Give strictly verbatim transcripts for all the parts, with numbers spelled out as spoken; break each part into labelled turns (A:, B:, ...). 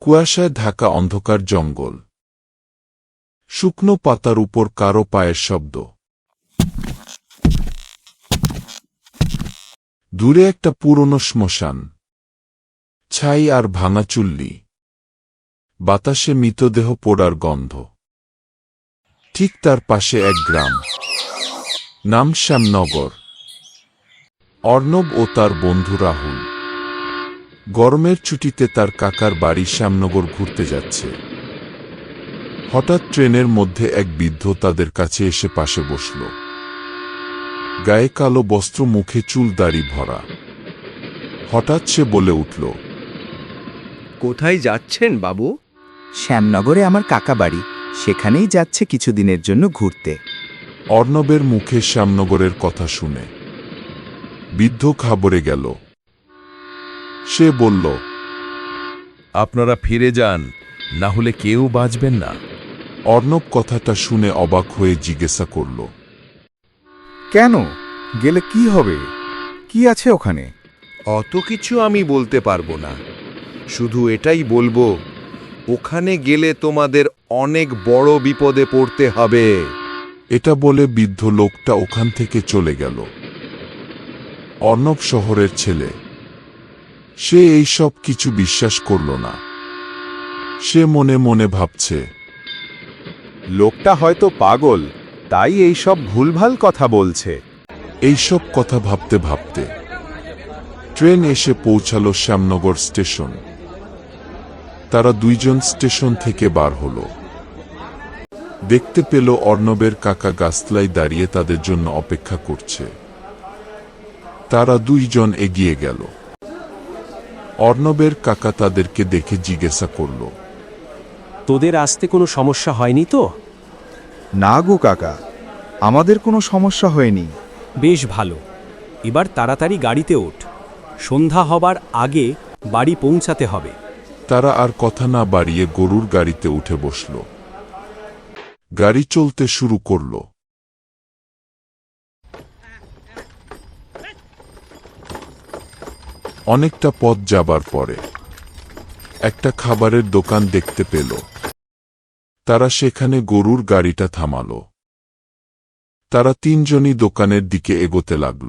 A: কুয়াশায় ঢাকা অন্ধকার জঙ্গল। শুকনো পাতার উপর কারো পায়ের শব্দ। দূরে একটা পুরনো শ্মশান, ছাই আর ভাঙা চুল্লি, বাতাসে মৃতদেহ পোড়ার গন্ধ। ঠিক তার পাশে এক গ্রাম, নাম শ্যামনগর। অর্ণব ও তার বন্ধু রাহুল গরমের ছুটিতে তার কাকার বাড়ি শ্যামনগর ঘুরতে যাচ্ছে। হঠাৎ ট্রেনের মধ্যে এক বৃদ্ধ তাদের কাছে এসে পাশে বসল। গায়ে কালো বস্ত্র, মুখে চুল দাড়ি ভরা। হঠাৎ সে বলে উঠল,
B: কোথায় যাচ্ছেন বাবু?
C: শ্যামনগরে আমার কাকা বাড়ি, সেখানেই যাচ্ছে কিছুদিনের জন্য ঘুরতে।
A: অর্ণবের মুখে শ্যামনগরের কথা শুনে বৃদ্ধ ঘাবড়ে গেল। সে বলল,
D: আপনারা ফিরে যান, না হলে কেউ বাঁচবেন না।
A: অর্ণব কথাটা শুনে অবাক হয়ে জিজ্ঞাসা করল,
E: কেন? গেলে কি হবে? কি আছে ওখানে?
B: অত কিছু আমি বলতে পারবো না, শুধু এটাই বলবো, ওখানে গেলে তোমাদের অনেক বড় বিপদে পড়তে হবে।
A: এটা বলে বৃদ্ধ লোকটা ওখান থেকে চলে গেল। অর্ণব শহরের ছেলে, সে এই সব কিছু বিশ্বাস করল না। সে মনে মনে ভাবছে,
E: লোকটা হয়তো পাগল, তাই এই সব ভুলভাল কথা বলছে।
A: এইসব কথা ভাবতে ভাবতে ট্রেন এসে পৌঁছালো শ্যামনগর স্টেশন। তারা দুইজন স্টেশন থেকে বার হল। দেখতে পেল অর্ণবের কাকা গাছতলায় দাঁড়িয়ে তাদের জন্য অপেক্ষা করছে। তারা দুইজন এগিয়ে গেল। অর্ণবের কাকা তাদেরকে দেখে জিজ্ঞাসা করল,
F: তোদের আসতে কোনো সমস্যা হয়নি তো?
E: না গো কাকা, আমাদের কোনো সমস্যা হয়নি।
F: বেশ ভালো, এবার তাড়াতাড়ি গাড়িতে ওঠ, সন্ধ্যা হবার আগে বাড়ি পৌঁছাতে হবে।
A: তারা আর কথা না বাড়িয়ে গরুর গাড়িতে উঠে বসল। গাড়ি চলতে শুরু করল। অনেকটা পথ যাবার পরে একটা খাবারের দোকান দেখতে পেল। তারা সেখানে গরুর গাড়িটা থামাল। তারা তিনজনই দোকানের দিকে এগোতে লাগল।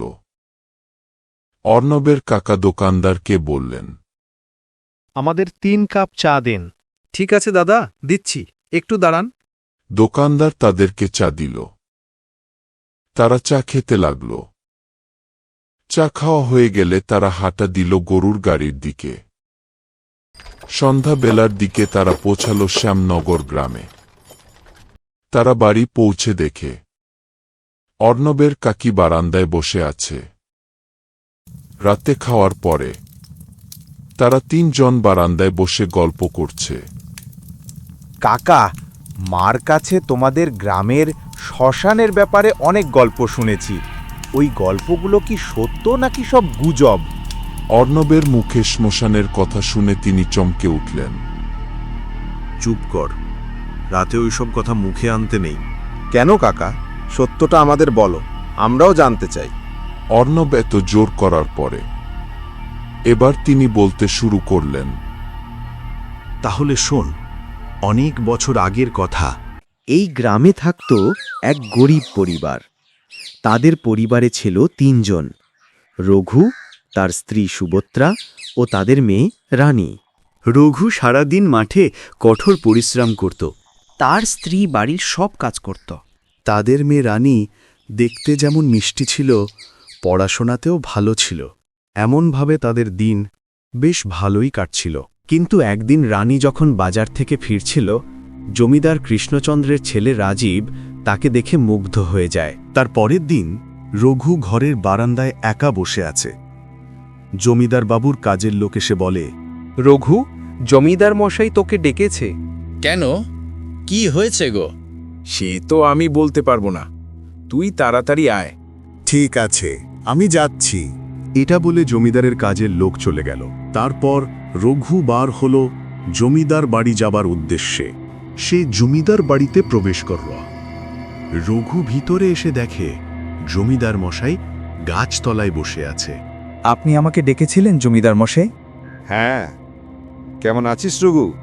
A: অর্ণবের কাকা দোকানদারকে বললেন,
G: আমাদের তিন কাপ চা দেন।
B: ঠিক আছে দাদা, দিচ্ছি, একটু দাঁড়ান।
A: দোকানদার তাদেরকে চা দিল। তারা চা খেতে লাগল। চা খাওয়া হয়ে গেলে তারা হাঁটা দিল গরুর গাড়ির দিকে। সন্ধ্যাবেলার দিকে তারা পৌঁছাল শ্যামনগর গ্রামে। তারা বাড়ি পৌঁছে দেখে অর্ণবের কাকি বারান্দায় বসে আছে। রাতে খাওয়ার পরে তারা তিনজন বারান্দায় বসে গল্প করছে।
E: কাকা, মার কাছে তোমাদের গ্রামের শ্মশানের ব্যাপারে অনেক গল্প শুনেছি। ওই গল্পগুলো কি সত্য নাকি সব গুজব?
A: অর্ণবের মুখে শ্মশানের কথা শুনে তিনি চমকে উঠলেন।
H: চুপ কর, রাতে ওইসব কথা মুখে আনতে নেই।
E: কেন কাকা? সত্যটা আমাদের বলো, আমরাও জানতে চাই।
A: অর্ণব এত জোর করার পরে এবার তিনি বলতে শুরু করলেন,
H: তাহলে শোন, অনেক বছর আগের কথা।
C: এই গ্রামে থাকত এক গরিব পরিবার। তাদের পরিবারে ছিল তিনজন, রঘু, তার স্ত্রী সুভদ্রা ও তাদের মেয়ে রানী।
I: রঘু সারাদিন মাঠে কঠোর পরিশ্রম করত।
C: তার স্ত্রী বাড়ির সব কাজ করত।
I: তাদের মেয়ে রানী দেখতে যেমন মিষ্টি ছিল, পড়াশোনাতেও ভালো ছিল। এমনভাবে তাদের দিন বেশ ভালোই কাটছিল। কিন্তু একদিন রানী যখন বাজার থেকে ফিরছিল, জমিদার কৃষ্ণচন্দ্রের ছেলে রাজীব তাকে দেখে মুগ্ধ হয়ে যায়।
H: তার পরের দিন রঘু ঘরের বারান্দায় একা বসে আছে। জমিদার বাবুর কাজের লোক এসে বলে,
B: রঘু, জমিদার মশাই তোকে ডেকেছে।
J: কেন? কি হয়েছে গো?
E: সে তো আমি বলতে পারবো না, তুই তাড়াতাড়ি আয়।
H: ঠিক আছে, আমি যাচ্ছি। এটা বলে জমিদারের কাজের লোক চলে গেল। তারপর রঘু বার হল জমিদার বাড়ি যাবার উদ্দেশ্যে। সে জমিদার বাড়িতে প্রবেশ করল। রঘু ভিতরে এসে দেখে জমিদার মশাই গাছতলায় বসে আছে।
C: আপনি আমাকে ডেকেছিলেন জমিদার মশাই?
E: হ্যাঁ, কেমন আছিস রঘু?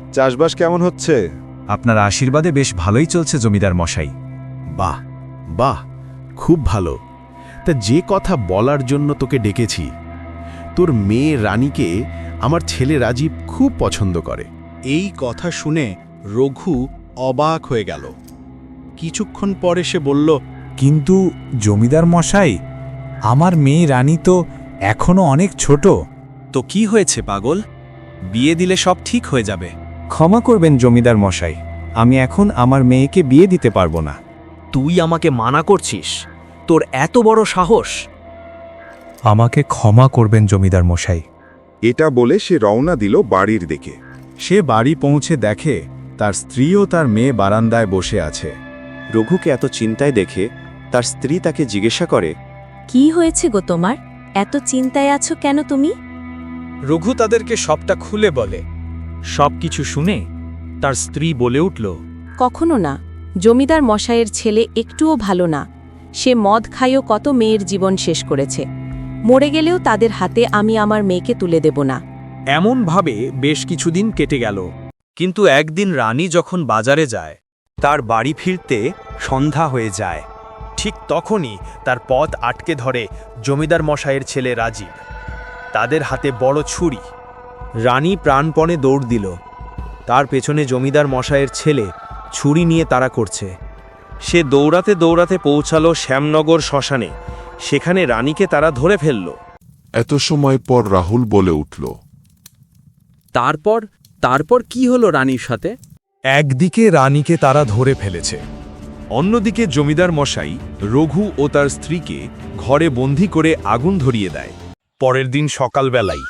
B: চাষবাস কেমন হচ্ছে?
K: আপনার আশীর্বাদে বেশ ভালোই চলছে জমিদার মশাই।
H: বাহ বাহ, খুব ভালো। তা যে কথা বলার জন্য তোকে ডেকেছি, তোর মেয়ে রানীকে আমার ছেলে রাজীব খুব পছন্দ করে।
G: এই কথা শুনে রঘু অবাক হয়ে গেল। কিছুক্ষণ পরে সে বলল,
K: কিন্তু জমিদার মশাই, আমার মেয়ে রানী তো এখনো অনেক ছোট।
F: তো কি হয়েছে পাগল? বিয়ে দিলে সব ঠিক হয়ে যাবে। ক্ষমা করবেন জমিদার মশাই, আমি এখন আমার মেয়েকে বিয়ে দিতে পারবো না।
C: তুই আমাকে মানা করছিস? তোর এত বড় সাহস!
K: আমাকে ক্ষমা করবেন জমিদার মশাই।
B: এটা বলে সে রওনা দিল বাড়ির দিকে।
K: সে বাড়ি পৌঁছে দেখে তার স্ত্রী ও তার মেয়ে বারান্দায় বসে আছে।
C: রঘুকে এত চিন্তায় দেখে তার স্ত্রী তাকে জিজ্ঞাসা করে,
L: কি হয়েছে গো তোমার? এত চিন্তায় আছো কেন তুমি?
F: রঘু তাদেরকে সবটা খুলে বলে।
C: সবকিছু শুনে তার স্ত্রী বলে উঠল,
L: কখনো না। জমিদার মশাইয়ের ছেলে একটুও ভালো না। সে মদ খাইও কত মেয়ের জীবন শেষ করেছে। মরে গেলেও তাদের হাতে আমি আমার মেয়েকে তুলে দেব না।
F: এমনভাবে বেশ কিছুদিন কেটে গেল। কিন্তু একদিন রানী যখন বাজারে যায়, তার বাড়ি ফিরতে সন্ধ্যা হয়ে যায়। ঠিক তখনই তার পথ আটকে ধরে জমিদার মশাইয়ের ছেলে রাজীব। তাদের হাতে বড় ছুরি। রানী প্রাণপণে দৌড় দিল। তার পেছনে জমিদার মশাইয়ের ছেলে ছুরি নিয়ে তাড়া করছে। সে দৌড়াতে দৌড়াতে পৌঁছালো শ্যামনগর শ্মশানে। সেখানে রানীকে তারা ধরে ফেলল।
A: এত সময় পর রাহুল বলে উঠল,
J: তারপর তারপর কি হলো রানীর সাথে?
K: একদিকে রানীকে তারা ধরে ফেলেছে,
D: অন্যদিকে জমিদার মশাই রঘু ও তার স্ত্রীকে ঘরে বন্দী করে আগুন ধরিয়ে দেয়।
K: পরের দিন সকালবেলায়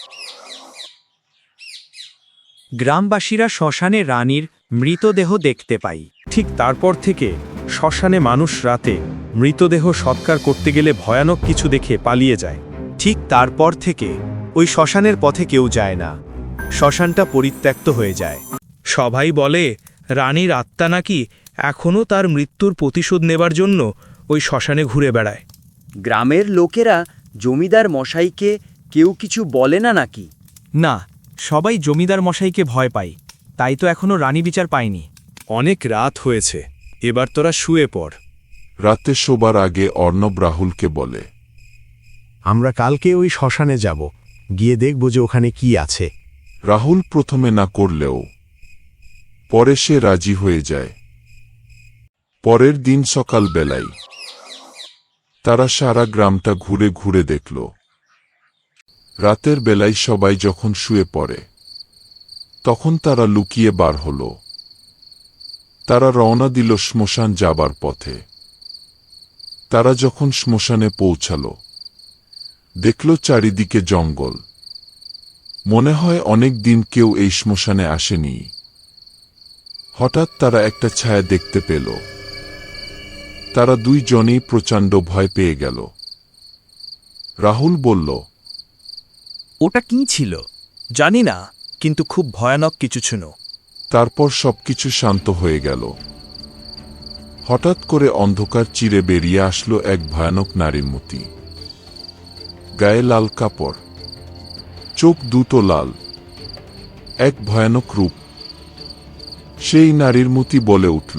F: গ্রামবাসীরা শ্মশানে রানীর মৃতদেহ দেখতে পায়। ঠিক তারপর থেকে শ্মশানে মানুষ রাতে মৃতদেহ সৎকার করতে গেলে ভয়ানক কিছু দেখে পালিয়ে যায়। ঠিক তারপর থেকে ওই শ্মশানের পথে কেউ যায় না। শ্মশানটা পরিত্যক্ত হয়ে যায়। সবাই বলে রানীর আত্মা নাকি এখনও তার মৃত্যুর প্রতিশোধ নেবার জন্য ওই শ্মশানে ঘুরে বেড়ায়।
C: গ্রামের লোকেরা জমিদার মশাইকে কেউ কিছু বলে না নাকি?
F: না, সবাই জমিদার মশাইকে ভয় পায়, তাই তো এখনো রানী বিচার পায়নি।
K: অনেক রাত হয়েছে, এবার তোরা শুয়ে পড়।
A: রাতে শোবার আগে অর্ণব রাহুলকে বলে,
H: আমরা কালকে ওই শ্মশানে যাব, গিয়ে দেখব যে ওখানে কি আছে।
A: রাহুল প্রথমে না করলেও পরে সে রাজি হয়ে যায়। পরের দিন সকাল বেলায় তারা সারা গ্রামটা ঘুরে ঘুরে দেখল। রাতের বেলায় সবাই যখন শুয়ে পড়ে, তখন তারা লুকিয়ে বার হল। তারা রওনা দিল শ্মশান যাবার পথে। তারা যখন শ্মশানে পৌঁছাল, দেখল চারিদিকে জঙ্গল। মনে হয় অনেক দিন কেউ এই শ্মশানে আসেনি। হঠাৎ তারা একটা ছায়া দেখতে পেল। তারা দুইজনেই প্রচণ্ড ভয় পেয়ে গেল। রাহুল বলল,
F: ওটা কি ছিল? জানি না, কিন্তু খুব ভয়ানক কিছু ছিল।
A: তারপর সবকিছু শান্ত হয়ে গেল। হঠাৎ করে অন্ধকার চিরে বেরিয়ে আসলো এক ভয়ানক নারীর মূর্তি। গায়ে লাল কাপড়, চোখ দুটো লাল, এক ভয়ানক রূপ। সেই নারীর মূর্তি বলে উঠল,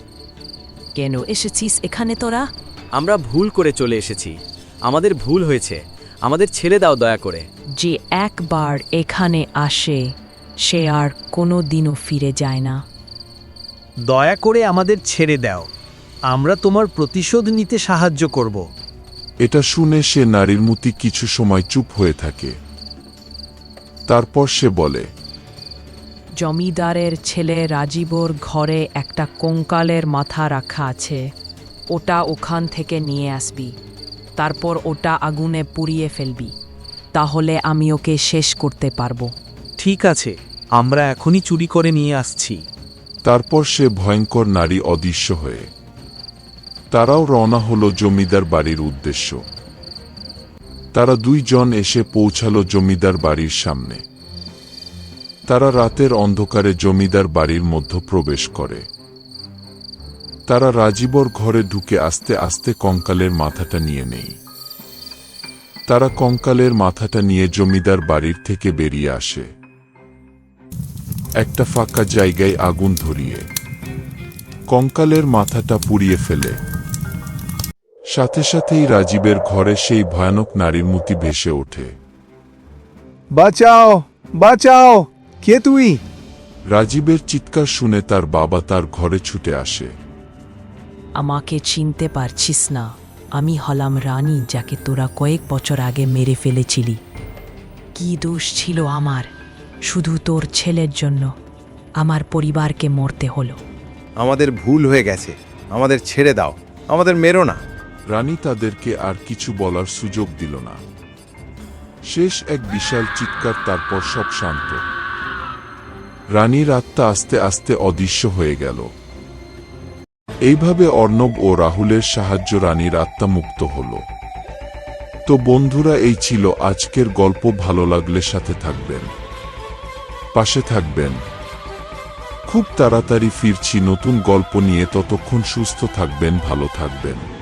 L: কেন এসেছিস এখানে তোরা?
C: আমরা ভুল করে চলে এসেছি, আমাদের ভুল হয়েছে, আমাদের ছেড়ে দাও দয়া করে।
L: যে একবার এখানে আসে সে আর কোনো দিনও ফিরে যায় না।
F: দয়া করে আমাদের ছেড়ে দাও, আমরা তোমার প্রতিশোধ নিতে সাহায্য করব।
A: এটা শুনে সে নারীর মূর্তি কিছু সময় চুপ হয়ে থাকে। তারপর সে বলে,
L: জমিদারের ছেলে রাজীবর ঘরে একটা কঙ্কালের মাথা রাখা আছে, ওটা ওখান থেকে নিয়ে আসবি। তারপর ওটা আগুনে পুড়িয়ে ফেলবি, তাহলে আমি ওকে শেষ করতে পারবো।
F: ঠিক আছে, আমরা এখনই চুরি করে নিয়ে আসছি।
A: তারপর সে ভয়ঙ্কর নারী অদৃশ্য হয়ে তারাও রওনা হলো জমিদার বাড়ির উদ্দেশ্য। তারা দুইজন এসে পৌঁছালো জমিদার বাড়ির সামনে। তারা রাতের অন্ধকারে জমিদার বাড়ির মধ্যে প্রবেশ করে। তারা রাজীবর ঘরে ঢুকে আস্তে আস্তে কঙ্কালের মাথাটা নিয়ে নেয়। তারা কঙ্কালের মাথাটা নিয়ে জমিদার বাড়ির থেকে বেরিয়ে আসে। একটা ফাঁকা জায়গায় আগুন ধরিয়ে কঙ্কালের মাথাটা পুড়িয়ে ফেলে। সাথে সাথেই রাজীবের ঘরে সেই ভয়ানক নারীর মূর্তি ভেসে ওঠে।
E: বাঁচাও বাঁচাও, কে তুই?
A: রাজীবের চিৎকার শুনে তার বাবা তার ঘরে ছুটে আসে।
L: আমাকে চিনতে পারছিস না? আমি হলাম রানী, যাকে তোরা কয়েক বছর আগে মেরে ফেলেছিলি। কি দোষ ছিল আমার? শুধু তোর ছেলের জন্য আমার পরিবারকে মরতে হলো।
B: আমাদের ভুল হয়ে গেছে, আমাদের ছেড়ে দাও, আমাদের মেরো না।
A: রানী তাদেরকে আর কিছু বলার সুযোগ দিল না। শেষ এক বিশাল চিৎকার, তারপর সব শান্ত। রানীর আত্মা আস্তে আস্তে অদৃশ্য হয়ে গেল। এইভাবে অর্ণব ও রাহুলের সাহায্য রানীর আত্মা মুক্ত হল। তো বন্ধুরা, এই ছিল আজকের গল্প। ভালো লাগলে সাথে থাকবেন, পাশে থাকবেন। খুব তাড়াতাড়ি ফিরছি নতুন গল্প নিয়ে। ততক্ষণ সুস্থ থাকবেন, ভালো থাকবেন।